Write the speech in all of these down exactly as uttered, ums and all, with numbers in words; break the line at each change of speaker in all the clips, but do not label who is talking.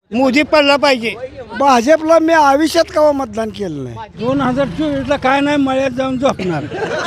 मोदी पडला पाहिजे.
भाजपला मी आयुष्यात कवा मतदान केलं नाही.
दोन हजार चोवीसला काय नाही मळ्यात जाऊन झोपणार.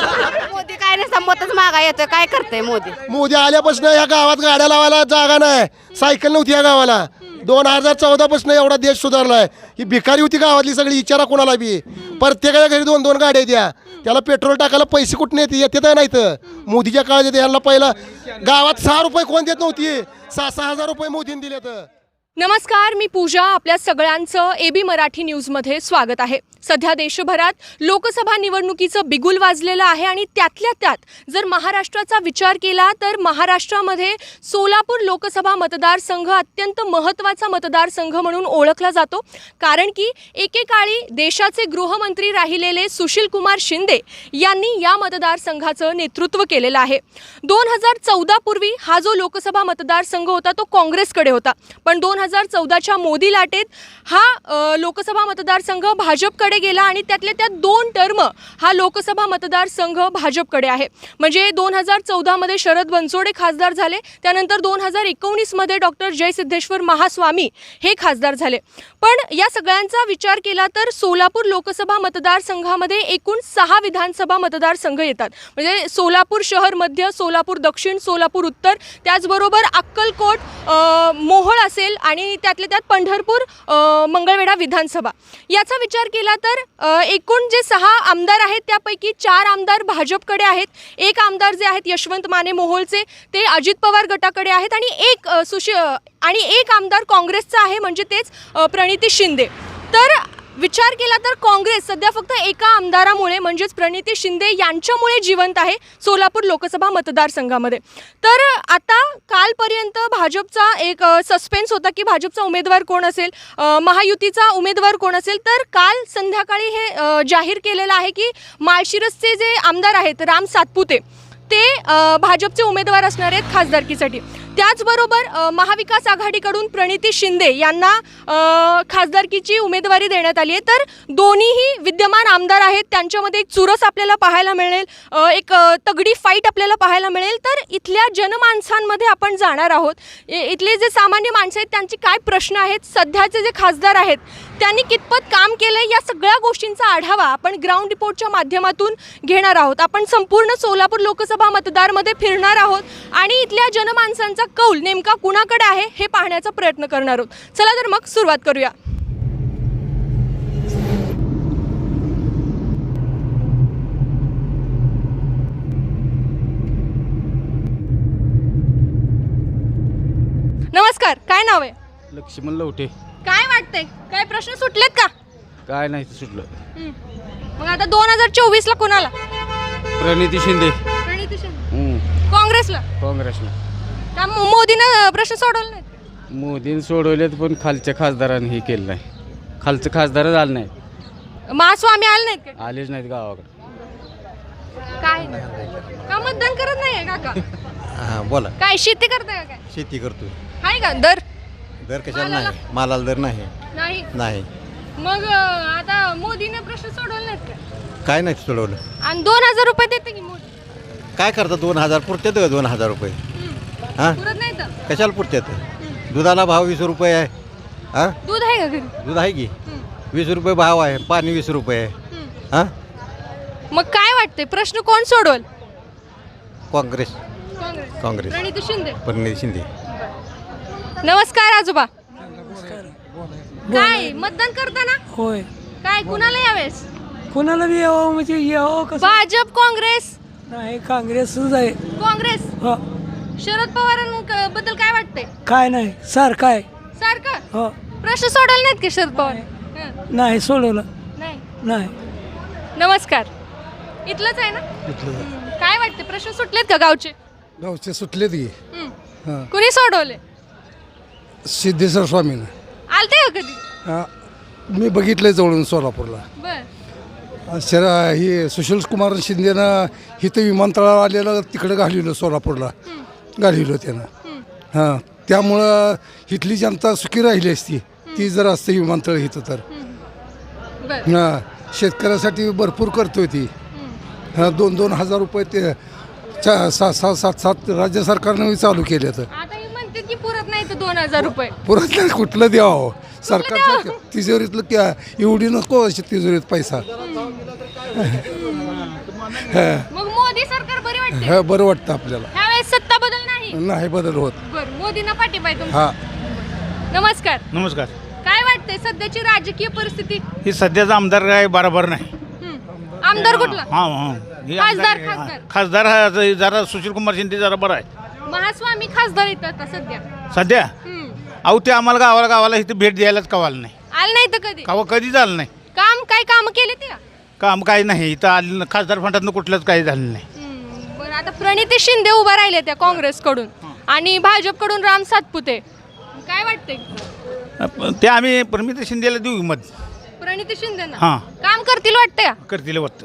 मोदी काय नाही संमतच मागा येतोय. काय करतंय मोदी?
मोदी आल्यापासून या गावात गाड्या लावायला जागा नाही, सायकल नव्हती या गावाला. दोन हजार चौदा पासून एवढा देश सुधारलाय. ही भिकारी होती गावातली सगळी, विचारा कोणाला बी. प्रत्येकाच्या घरी दोन दोन गाड्या द्या, त्याला पेट्रोल टाकायला पैसे कुठे येते येते तर नाहीत. मोदीच्या काळात येते. यांना पहिला गावात सहा रुपये कोण देत नव्हती, सहा सहा हजार रुपये मोदीने दिले तर.
नमस्कार, मी पूजा. आपल्या सगळ्यांचं ए बी मराठी न्यूजमध्ये स्वागत आहे. सध्या देशभरात लोकसभा निवडणुकीचं बिगुल वाजलेलं आहे आणि त्यातल्या त्यात जर महाराष्ट्राचा विचार केला तर महाराष्ट्रामध्ये सोलापूर लोकसभा मतदारसंघ अत्यंत महत्त्वाचा मतदारसंघ म्हणून ओळखला जातो. कारण की एकेकाळी देशाचे गृहमंत्री राहिलेले सुशील कुमार शिंदे यांनी या मतदारसंघाचं नेतृत्व केलेलं आहे. दोन हजार चौदा पूर्वी हा जो लोकसभा मतदारसंघ होता तो काँग्रेसकडे होता, पण दोन हजार चौदाच्या मोदी लाटेत हा लोकसभा मतदारसंघ भाजपकडे गेला आणि त्यातले त्यात दोन टर्म हा लोकसभा मतदारसंघ भाजपकडे आहे. म्हणजे दोन हजार चौदामध्ये शरद बनसोडे खासदार झाले, त्यानंतर दोन हजार एकोणीसमध्ये डॉक्टर जयसिद्धेश्वर महास्वामी हे खासदार झाले. पण या सगळ्यांचा विचार केला तर सोलापूर लोकसभा मतदारसंघामध्ये एकूण सहा विधानसभा मतदारसंघ येतात. म्हणजे सोलापूर शहर मध्य, सोलापूर दक्षिण, सोलापूर उत्तर, त्याचबरोबर अक्कलकोट, मोहोळ असेल आणि त्यातले त्यात पंढरपूर, मंगळवेढा विधानसभा. याचा विचार केला तर एकूण जे सहा आमदार आहेत त्यापैकी चार आमदार भाजपकडे आहेत, एक आमदार जे आहेत यशवंत माने मोहोळचे ते अजित पवार गटाकडे आहेत आणि एक सुशी आणि एक आमदार काँग्रेसचा आहे, म्हणजे तेच प्रणिती शिंदे. तर विचार केला तर काँग्रेस सध्या फक्त एका आमदारामुळे म्हणजेच प्रणिती शिंदे यांच्यामुळे जिवंत आहे सोलापूर लोकसभा मतदारसंघामध्ये. तर आता कालपर्यंत भाजपचा एक सस्पेन्स होता की भाजपचा उमेदवार कोण असेल, महायुतीचा उमेदवार कोण असेल. तर काल संध्याकाळी हे जाहीर केलेलं आहे की माळशिरसचे जे आमदार आहेत राम सातपुते ते भाजपचे उमेदवार असणार आहेत खासदारकीसाठी. त्याचबरोबर महाविकास आघाडीकडून प्रणिती शिंदे यांना खासदारकीची उमेदवारी देण्यात आली आहे. तर दोन्हीही विद्यमान आमदार आहेत, त्यांच्यामध्ये एक चुरस आपल्याला पाहायला मिळेल, एक तगडी फाईट आपल्याला पाहायला मिळेल. तर इथल्या जनमानसांमध्ये आपण जाणार आहोत. इथले जे सामान्य माणसं आहेत त्यांचे काय प्रश्न आहेत, सध्याचे जे खासदार आहेत त्यांनी कितपत काम केलं, या सगळ्या गोष्टींचा आढावा आपण ग्राउंड रिपोर्टच्या माध्यमातून घेणार आहोत. आपण संपूर्ण सोलापूर लोकसभा मतदारमध्ये फिरणार आहोत आणि इथल्या जनमानसांचा कौल नेमका कुणाकडे आहे हे पाहण्याचा प्रयत्न करणार आहोत. चला तर मग सुरुवात करूया. नमस्कार, काय नाव आहे?
लक्ष्मण लवटे.
काय वाटतंय, काय प्रश्न सुटलेत का?
काय नाही सुटलं.
मग आता दोन हजार चोवीस ला कोणाला?
प्रणिती शिंदे.
प्रणिती शिंदे. काँग्रेसला?
काँग्रेसला.
का मोदीनं प्रश्न सोडवले नाहीत?
मोदीने सोडवलेत पण खालच्या खासदारांनी हे केलं नाही. खालचं खासदारच आलं नाही.
महास्वामी आले नाहीत का?
आलेच नाहीत गावाकडे.
काय का मतदान करत नाहीये काका?
हां बोला.
काय शेती करताय का? काय
शेती करतोय.
आहे का दर?
दर कशाला नाही, मालाला दर नाही.
नाही
नाही.
मग आता मोदीने प्रश्न सोडवले नाहीत का?
काय नाही सोडवलं.
आणि दोन हजार रुपये देते की मोदी?
काय करतात दोन हजार पुरतात का दोन हजार रुपये? हां
पुरत नाही तर
कशाला पुरतात? दुधाला भाव वीस रुपये आहे. हां
दूध आहे का घरी?
दूध आहे की वीस रुपये भाव आहे, पाणी वीस रुपये आहे. हां
मग काय वाटते प्रश्न कोण सोडवल?
काँग्रेस.
काँग्रेस.
काँग्रेस.
प्रणिती शिंदे.
प्रणिती शिंदे.
नमस्कार
आजोबा. काय मतदान करताना
होय.
काय कुणाला यावेळेस?
कोणाला बी यावं म्हणजे यावं कसं?
भाजप, काँग्रेस?
नाही, काँग्रेसच आहे.
काँग्रेस.
हो.
शरद पवारांबद्दल काय वाटतंय?
काय नाही, सारखं आहे.
सारखं
हो.
प्रश्न सोडवले नाहीत की शरद पवार? हं.
नाही सोडवलं.
नाही.
नाही.
नमस्कार, इथलंच आहे ना? हं. काय वाटते प्रश्न सुटलेत का गावचे?
गावचे सुटलेत की.
हं.
हां
कुणी सोडवले?
सिद्धेश्वर स्वामीनं.
आलते का कधी?
हां मी बघितलं जवळून सोलापूरला.
बर.
शरा ही सुशील कुमार शिंदेनं इथं विमानतळावर आलेलं तिकडं घालवलं, सोलापूरला घालवलं त्यानं. हां त्यामुळं इथली जनता सुखी राहिली असती ती जर असते विमानतळ इथं तर. हां शेतकऱ्यासाठी भरपूर करतोय ती. हां दोन दोन हजार रुपये ते चा सात सात सात सात राज्य सरकारनं चालू केले तर.
आता हे म्हणते की पुरत नाही इथं दोन हजार रुपये
पुरत नाही कुठलं द्यावं सरकारच्या तिजोरीतलं क्या एवढी नको अशी तिजोरीत पैसा
मग मोदी सरकार बरी वाटते
हा बरं वाटतं आपल्याला
ह्यावेळेस सत्ता बदल नाही
नाही बदल होत
बरं मोदींना पाठिंबा आहे तुमचा?
हा
नमस्कार
नमस्कार.
काय वाटतंय सध्याची राजकीय परिस्थिती
ही सध्याचा आमदार काय बरोबर नाही.
हं. आमदार कुठला
हा हा हे
खासदार,
आमदार-
खासदार.
खासदार हा जरा सुशील कुमार शिंदे जरा बरं आहे
महास्वामी खासदार येतात आता सध्या
सध्या.
हं.
अहो ते आम्हाला गावाला गावाला इथे भेट द्यायलाच कवाल नाही.
आलं नाही तर कधी
कवा कधी झालं नाही.
काम काय काम केले ते का
काम काही नाही इथं आलं खासदार फंडातनं कुठलंच काही झालं नाही.
हं. बरं आता प्रणिती शिंदे उभा राहिले त्या काँग्रेसकडून आणि भाजपकडून राम सातपुते काय वाटतंय
ते आम्ही परमित शिंदेला देऊ मत
प्रणिती शिंदे
हां.
काम करतील वाटतंय का
करतील वाटतं.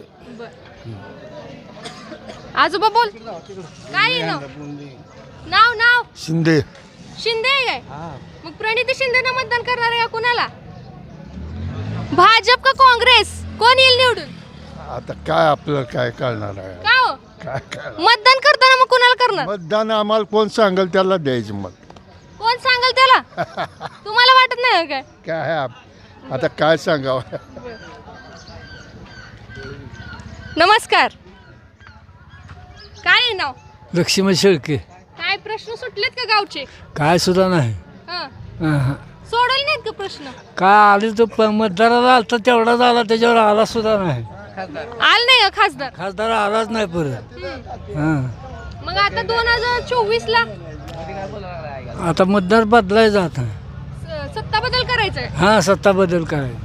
आजोबा बोल काय आहे नाव नाव नाव
शिंदे
शिंदे आहे काय मग प्रणिती शिंदेना मतदान करणार आहे का कुणाला भाजप का काँग्रेस कोण येईल निवडून
आता काय आपल्याला काय कळणार आहे
का हो
काय काय
मतदान करताना मग कुणाला करणार
मतदान आम्हाला कोण सांगेल त्याला द्यायचं मत
कोण सांगाल त्याला तुम्हाला वाटत नाही का काय
काय आहे आप- आता काय सांगावं.
नमस्कार काय आहे नाव
लक्ष्मण शेळके
काय प्रश्न सुटलेत का गावचे
काय सुद्धा नाही
हं.
अहं.
सोडवले नाहीत का प्रश्न
काय आले तो प- मतदाराला आलता तेवढा झाला त्याच्यावर आला सुद्धा नाही
आल नाही का खासदार
खासदार आलाच नाही परत हां
मग आता दोन हजार चोवीस ला
आता मतदार बदलायचा आता
स- सत्ता बदल करायचंय
हां सत्ता बदल करायचा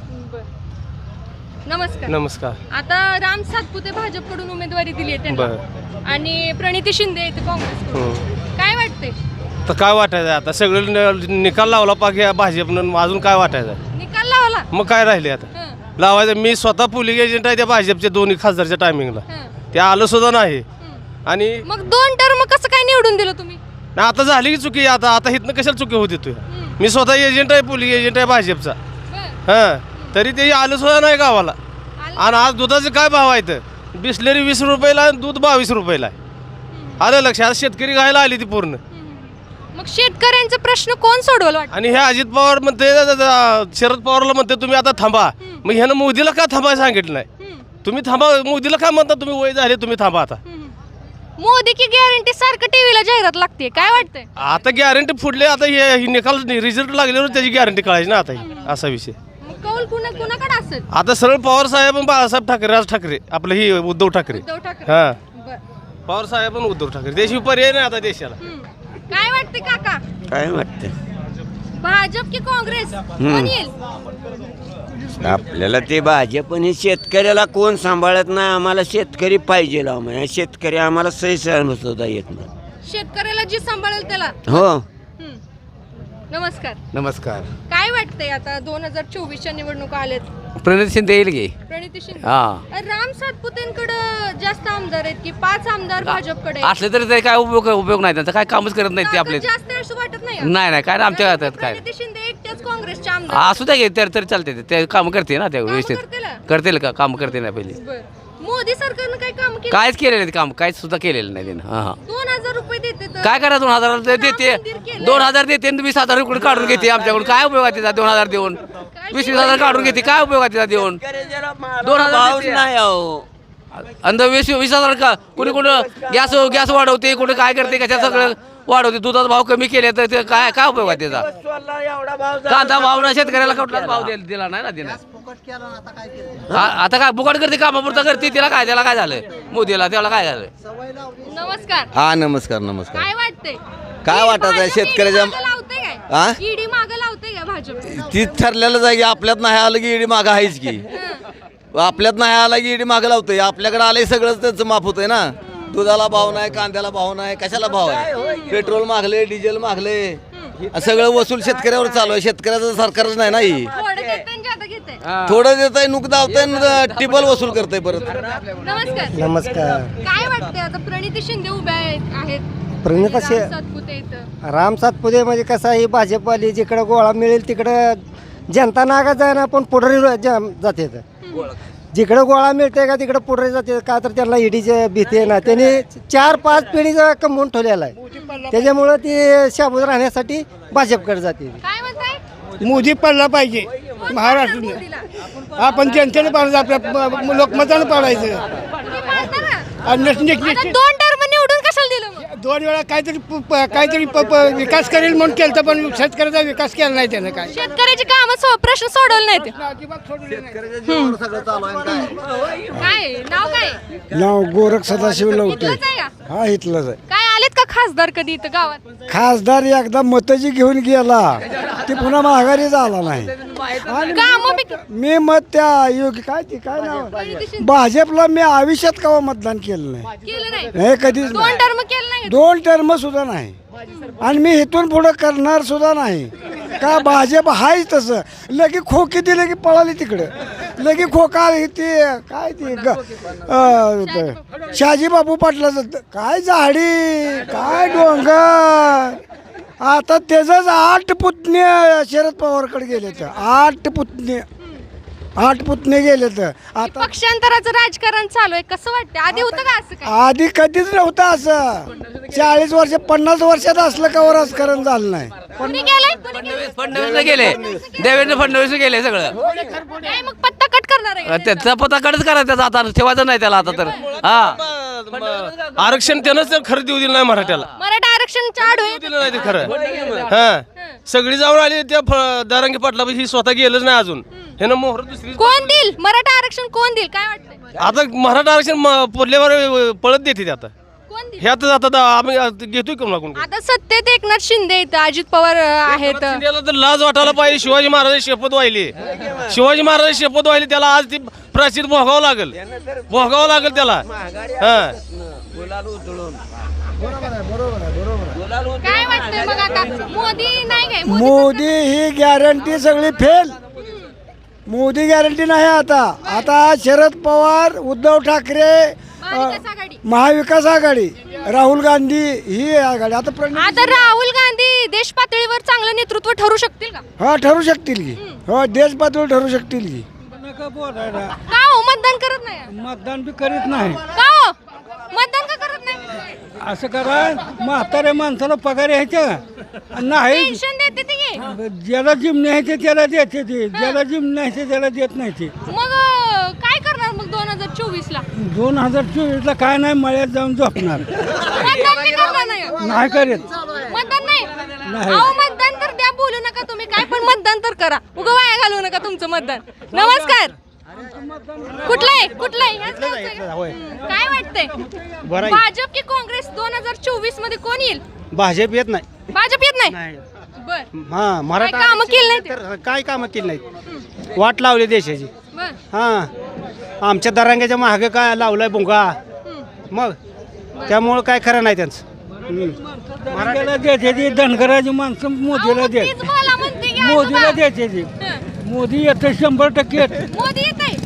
नमस्कार
नमस्कार.
आता राम सातपुते भाजपकडून उमेदवारी दिली आहे त्यांना आणि प्रणिती शिंदे येते काँग्रेसकडून काय वाटते
तर काय वाटायचं आता सगळं न- निकाल लावला पाहिजे भाजपनं अजून काय वाटायचं
निकाल लावला
मग काय राहिले आता
हं,
लावायचं मी स्वतः पोलिंग एजंट आहे त्या भाजपच्या दोन्ही खासदारच्या टायमिंगला
हं,
ते आलं सुद्धा नाही
हं.
आणि
मग दोन टर्म कसं काय निवडून दिलं तुम्ही
नाही, आता झाली की चुकी आता आता इथनं कशाला चुकी होती तू मी स्वतः एजंट आहे पोलिंग एजंट आहे भाजपचा
बरं.
हां तरी ते आलं सुद्धा नाही गावाला
आलं.
आणि आज दुधाचे काय भाव आहेत बिस्लेरी वीस रुपयाला आणि दूध बावीस रुपयाला आहे आलं लक्षात शेतकरी घायला आली ती पूर्ण
मग शेतकऱ्यांचा प्रश्न कोण सोडवल वाटत
आणि हे अजित पवार म्हणते शरद पवारला म्हणते तुम्ही आता थांबा मग ह्यानं मोदीला का थांबा सांगितलं नाही तुम्ही थांबा मोदीला काय म्हणता तुम्ही वय झाले तुम्ही थांबा आता
मोदी की गॅरंटी सारखं टीव्हीला जाहिरात लागते काय वाटतंय
आता गॅरंटी फुटले आता हे हे निकाल रिझल्ट लागल्यावर त्याची गॅरंटी कळायची ना आता ही असा विषय
मग कौल कुणा कुणाकडे असेल
आता सरळ पवार साहेब आणि बाळासाहेब ठाकरे राज ठाकरे आपलं ही उद्धव ठाकरे
उद्धव ठाकरे
हां
बरं.
पवार साहेब आणि उद्धव ठाकरे त्याशिवाय पर्याय नाही आता देशाला
हम्म. काय वाटते काका
काय वाटतं
भाजप की काँग्रेस कोण येईल
आपल्याला ते भाजप आणि शेतकऱ्याला कोण सांभाळत नाही आम्हाला शेतकरी पाहिजे आम्हाला शेतकरी आम्हाला सही सहन सुद्धा येत नाही
शेतकऱ्याला जी सांभाळेल त्याला
हो
हम्म. नमस्कार
नमस्कार.
काय वाटतंय आता दोन हजार चोवीसच्या निवडणुका आल्यात
प्रणित शिंदे येईल की
प्रणिती शिंदे
हा
राम सातपुतेंकडे जास्त आमदार आहेत की पाच आमदार भाजपकडे आहेत?
असले तरी ते काय उपयोग उपयोग नाही त्यांचा काय कामच करत नाही ते आपले
ताकद जास्त आहे असं वाटत नाही
नाही नाही काय आमच्या हातात काय
प्रणिती शिंदे एकट्याच काँग्रेसचे आमदार
असू द्या की तर तरी चालते ते. ते काम करते ना ते व्यवस्थित
करतील?
करतील का काम करते ना पहिले
बरं. मोदी सरकारनं काय काम केलं
कायच केलेलं नाही काम काहीच सुद्धा केलेलं नाही त्यानं हां हां
दोन हजार रुपये देते तर
काय करा दोन हजार देते दोन हजार देते आणि वीस हजार इकडे काढून घेते आमच्याकडून काय उपयोग आहे तिचा दोन हजार देऊन वीस वीस हजार काढून घेते काय उपयोग आहे तिचा देऊन दोन हजार
भावच
देते.
नाही अहो
आणि वीस वीस हजार का कुणी कुठं गॅस गॅस वाढवते कुठे काय करते कशा सगळं वाढवते दुधाचा भाव कमी केले तर ते काय काय उपयोग आहे त्याचा कांदा भाव ना शेतकऱ्याला कुठलाच भाव दिला दिला नाही ना तिने आता काय बुकाट करते कामापुरता करते तिला काय त्याला काय झालं मोदीला त्याला काय झालं
नमस्कार
हा नमस्कार नमस्कार
काय वाटतंय
काय वाटत आहे शेतकऱ्याच्या हा?
ईडी माग लावते का भाजप
ती ठरलेलं जागी आपल्यात नाही आलं की ईडी मागं आहेच की आपल्यात नाही आला की ईडी मागं लावतोय आपल्याकडे आलंय सगळंच त्याचं माफ होतंय ना दुधाला भाव नाही कांद्याला भाव नाही कशाला भाव आहे पेट्रोल मागले डिझेल मागले सगळं वसूल शेतकऱ्यावर चालू आहे शेतकऱ्याचं सरकारच नाही ना ही
थोडं घेते आणि जादा घेते
थोडं देत आहे नुक दावतंय टिबल वसूल करतंय परत
नमस्कार
नमस्कार.
काय वाटतंय आता प्रणिती शिंदे उभ्या आहेत आहेत
प्रणिता शि-
राम सातपुते इथं
राम सातपुते म्हणजे कसं आहे भाजपवाली जिकडं गोळा मिळेल तिकडं जनता नागा जाणार पण पुढारी जाते जिकडं गोळा मिळते का तिकडं पुढे जाते का तर त्यांना ईडीचे भीती आहे ना त्यांनी चार पाच पिढीचा कमवून ठेवलेला आहे त्याच्यामुळं ते शाबूत राहण्यासाठी भाजपकडे जाते.
काय म्हणताय?
मोदी पडला पाहिजे महाराष्ट्राने. आपण जनतेने पाडायचं, आपल्या लोकमताने पाडायचं.
तुम्ही पाडता ना?
आणि नस- निक-
आता
निक-
दोन टर्म निवडून कशाला दिलं मग?
दोन वेळा काहीतरी प- प- काहीतरी प- प- विकास करेल म्हणून केलं तर पण शेतकऱ्याचा विकास केला नाही त्यानं काय.
शेतकऱ्याची कामं सो- प्रश्न सोडवले नाहीत.
अजिबात सोडले नाही.
काय नाव काय?
नाव गोरख सदाशिव लवटे.
इथलंच आहे का?
हा इथलंच आहे.
काय आलेत का खासदार कधी इथं गावात?
खासदार एकदा मतजी घेऊन गेला ती पुन्हा माघारी झाला नाही. आणि
कामं बी-
मी मत त्या योग्य काय ती काय नाव आहे? भाजपला मी आयुष्यात कवा मतदान केलं नाही.
केलं नाही.
हे कधीच
दोन
नाही.
टर्म केलं नाही.
दोन टर्म सुद्धा नाही आणि मी इथून पुढे करणार सुद्धा नाही. का भाजप हायच तसं. लगे खोकी दिले की पळाली तिकडं. लगे खोका ती काय ती ग- अं, त- शहाजी बापू पाटलाचं काय झाडी काय डोंगर. आता त्याचंच आठ पुतणे शरद पवारकडे गेले तर आठ पुतणे आठ पुतणे गेले तर आता
पक्षांतराचं राजकारण चालू आहे, कसं वाटतं? आधी होतं का असं काय?
आधी कधीच नव्हतं असं. चाळीस वर्ष पन्नास वर्षात असलं का राजकारण झालं नाही.
कुणी केलंय? कुणी केलंय?
फडणवीस गेले, देवेंद्र फडणवीस गेले सगळं.
काय मग पत्ता कट करणार आहे का?
त्याचा पत्ता कडच करा त्याचा, आता ठेवायचं नाही त्याला आता तर. हा
म- आरक्षण त्यानंच तर खरं देऊ दिलं नाही मराठ्याला.
मराठा आरक्षणच्या आड होईल.
दिलं नाही ते खरं. हा सगळी जाऊन आली त्या फ- दारांगी पाटला ही स्वतः गेलंच नाही अजून. हे ना मोहर दुसरी
कोण देईल मराठा आरक्षण? कोण देईल काय वाटतंय?
आता मराठा आरक्षण म- पडल्यावर पळत देते ते आता.
कोण देईल?
हे आता आता दा- आम्ही आता घेतोय कोण लागून.
आता सत्तेत एकनाथ शिंदे आहेत, अजित पवार अं, आहेत.
शिंदेला तर लाज वाटायला पाहिजे. शिवाजी महाराज शपथ वाहिली. शिवाजी महाराज शपथ वाहिली त्याला आज ती प्राचीन भोगावं लागेल. भोगावं लागेल त्याला. हा
काय वाटतंय मग आता? मोदी नाही काय? मोदी
मोदी ही गॅरंटी सगळी फेल. मोदी गॅरंटी नाही. आता आता शरद पवार, उद्धव ठाकरे,
महाविकास आघाडी.
महाविकास आघाडी, राहुल गांधी ही आघाडी. आता प्रणिती
आता राहुल गांधी देश पातळीवर चांगलं नेतृत्व ठरू शकतील का?
हा ठरू शकतील की. हो देश पातळीवर ठरू शकतील की.
नका बोलायला.
का हो मतदान करत नाही?
मतदान बी करीत नाही.
का हो मतदान का करत नाही?
असं करा, म्हाताऱ्या माणसाला पगार यायचा नाही.
पेन्शन देते ती की?
ज्याला जिम न्यायचे त्याला देते ते, ज्याला जिम न्यायचे त्याला देत नाही ते.
मग अं, काय करणार मग दोन हजार चोवीस ला?
दोन हजार चोवीस ला काय नाही, मळ्यात जाऊन झोपणार.
मतदान नाही करणार नाही का?
नाही करीत.
मतदान नाही?
नाही.
अहो मतदान तर द्या, बोलू नका तुम्ही काय पण मतदान तर करा. उगा वाया घालवू नका तुमचं मतदान. नमस्कार. कुठलं आहे? कुठलं आहे? ह्याच गावचं आहे का? हं. काय वाटतंय? भाजप की काँग्रेस दोन हजार चोवीस मध्ये कोण येईल?
भाजप येत नाही.
भाजप येत नाही. बर.
हा
काय
मराठा
कामं केली नाही ते?
तर काय कामं केली नाहीत. वाट लावली देशाची.
बर.
हा आमच्या दरांग्याच्या महागे काय लावलाय भुंगा. मग त्यामुळं काय खरं नाही त्यांचं. मराठ्याला द्यायचे ते धनगराची माणसं मोदीला
अहो,
द्या.
तीच बोला म्हणते की
मोदीला
आजोबा.
द्यायचे ते.
हं.
मोदी येतं शंभर टक्के येतं.
मोदी येत आहे.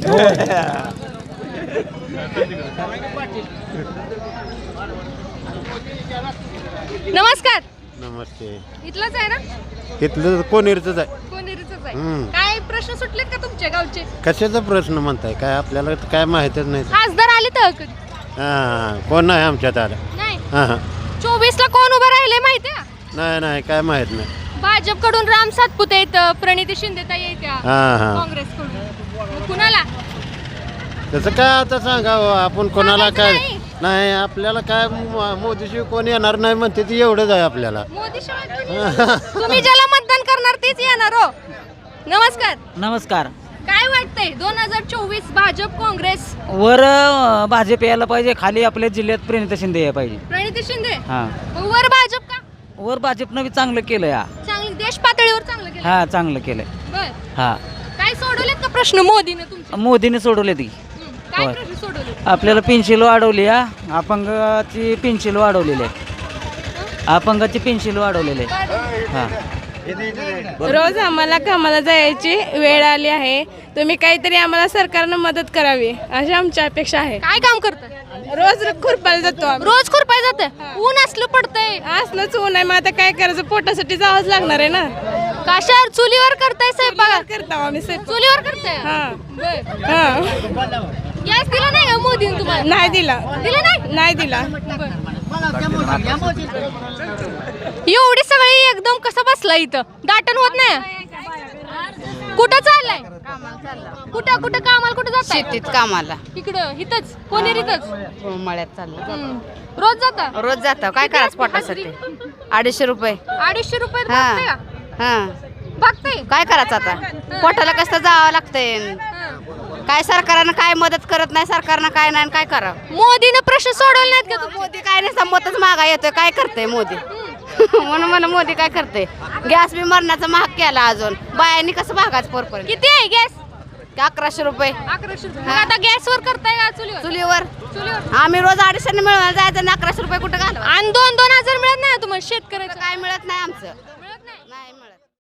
नमस्कार.
नमस्ते.
इथलंच आहे ना?
इथलं कोणीरच आहे.
कोणेरीचंच आहे.
हम्म.
काय प्रश्न सुटलेत का तुमच्या गावचे?
कशाचा प्रश्न म्हणताय काय आपल्याला तर काय माहितच नाही.
खासदार आले तर कधी?
हां कोण नाही आमच्यात आलं.
नाही.
हां हां
चोवीस ला कोण उभं राहिले माहितीये का?
नाही नाही काय माहित नाही.
भाजपकडून राम सातपुते येत, प्रणिती शिंदेताई येत्या,
हां हां
काँग्रेसकडून मग कुणाला?
तसं काय आता सांगावं आपण कोणाला काय
सांगायचं
नाही आपल्याला काय मो- मोदीशिवाय कोण येणार नाही म्हणते ती एवढंच आहे आपल्याला.
मोदी शिवाय कोणी? तुम्ही ज्याला मतदान करणार तेच येणार हो. नमस्कार.
नमस्कार.
काय वाटतंय दोन हजार चोवीस भाजप काँग्रेस?
वर भाजप यायला पाहिजे, खाली आपल्या जिल्ह्यात प्रणिता शिंदे यायला पाहिजे.
प्रणिती शिंदे.
हा
मग वर भाजप का?
वर भाजपनं बी चांगलं केलं या.
चांगलं देश पातळीवर चांगलं केलं.
हा चांगलं केलंय.
बर.
हा
काय सोडवलेत का प्रश्न मोदीने तुमचे?
मोदीने सोडवले ती.
हं. काय
होय.
प्रश्न सोडवले?
आपल्याला पेन्शिल वाढवली हा. अपंगाची पेन्शिल वाढवलेली आहे. अपंगाची पेन्शिल वाढवलेली आहे. हा
रोज आम्हाला कामाला जायची वेळ आली आहे. तुम्ही काहीतरी आम्हाला सरकारनं मदत करावी अशी आमची अपेक्षा आहे.
काय काम करताय?
रोज खुरपायला जातो आम्ही.
रोज खुरपाय जाते. ऊन असलं पडतंय.
असलंच ऊन आहे, मग आता काय करायचं, पोटासाठी जावंच लागणार आहे ना.
कशावर चुलीवर करताय स्वयंपाक?
करतो आम्ही स्वयंपाक.
चुलीवर करताय.
हा
बर.
हा
गॅस दिला नाही का मोदीने तुम्हाला?
नाही दिला.
दिला नाही?
नाही दिला.
बर. एवढी सगळी एकदम कसं बसला इथं दाटण होत नाही कुठं चाललाय कुठं कुठं कामाला कुठं जात
शेतीत कामाला
इकडं इथंच कोणी इथंच
मळ्यात चाललं
रोज जाता
रोज जातो काय करायचं पोटासाठी अडीचशे रुपये
अडीचशे रुपये
हा.
भागतंय का?
हा
भागतंय
काय करायचं आता पोटाला कसं जावं लागतंय काय सरकारनं काय मदत करत नाही सरकारनं काय नाही काय करावं
मोदीनं प्रश्न सोडवले नाहीत का तुम्ही?
मोदी काय नाही संमतच मागा येतोय काय करतंय मोदी म्हणून मला मोदी काय करते गॅस बी मरणाचा महाग केला अजून बायांनी कसं भागाच पोरपर्यंत
किती आहे गॅस
अकराशे रुपये
अकराशे रुपये. मग आता गॅसवर करताय का चुलीवर
चुलीवर
चुलीवर
आम्ही रोज अडीचशे मिळवायला जायचं आणि अकराशे रुपये कुठं घालवा
आणि दोन दोन हजार मिळत नाही तुम्हाला शेतकऱ्याचं
काय मिळत नाही आमचं